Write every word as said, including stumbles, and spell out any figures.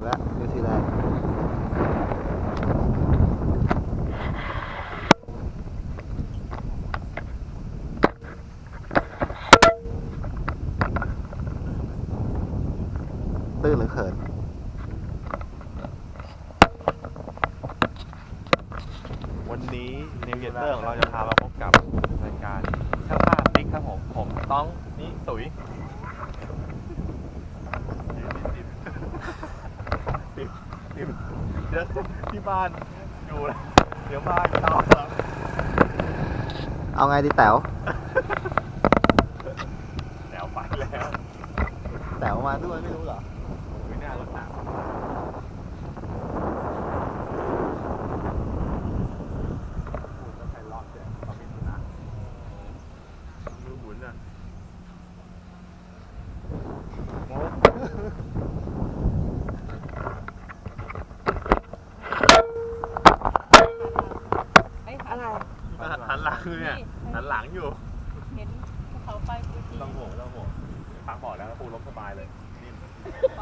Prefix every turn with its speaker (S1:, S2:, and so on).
S1: แล้วนิวซีแลนด์ตื้นหรือเขิน
S2: วันนี้นิวเยเตอร์ของเราจะพามาพบกับรายการช่างภาพติ๊กครับผมผมต้องนี่ตุ๋ยติดติดเดี๋ยวที่บ้านอยู่แล้วเดี๋ยวบ้านเตาแล้ว
S1: เอาไงดีแต๋ว
S2: แถวไปแล้ว
S1: แต๋วมาด้วยไม่รู้เหรอ
S2: ไม่น่ารถหนักหมุนอ่ะ
S3: อะไร
S2: หันหลังเนี่ยหันหลังอยู่
S3: เห็นภูเขาไฟฟูจิ
S2: ต้องห่วงต้องห่วงพักบ่อแล้วปูล้มสบายเลยนิ่ม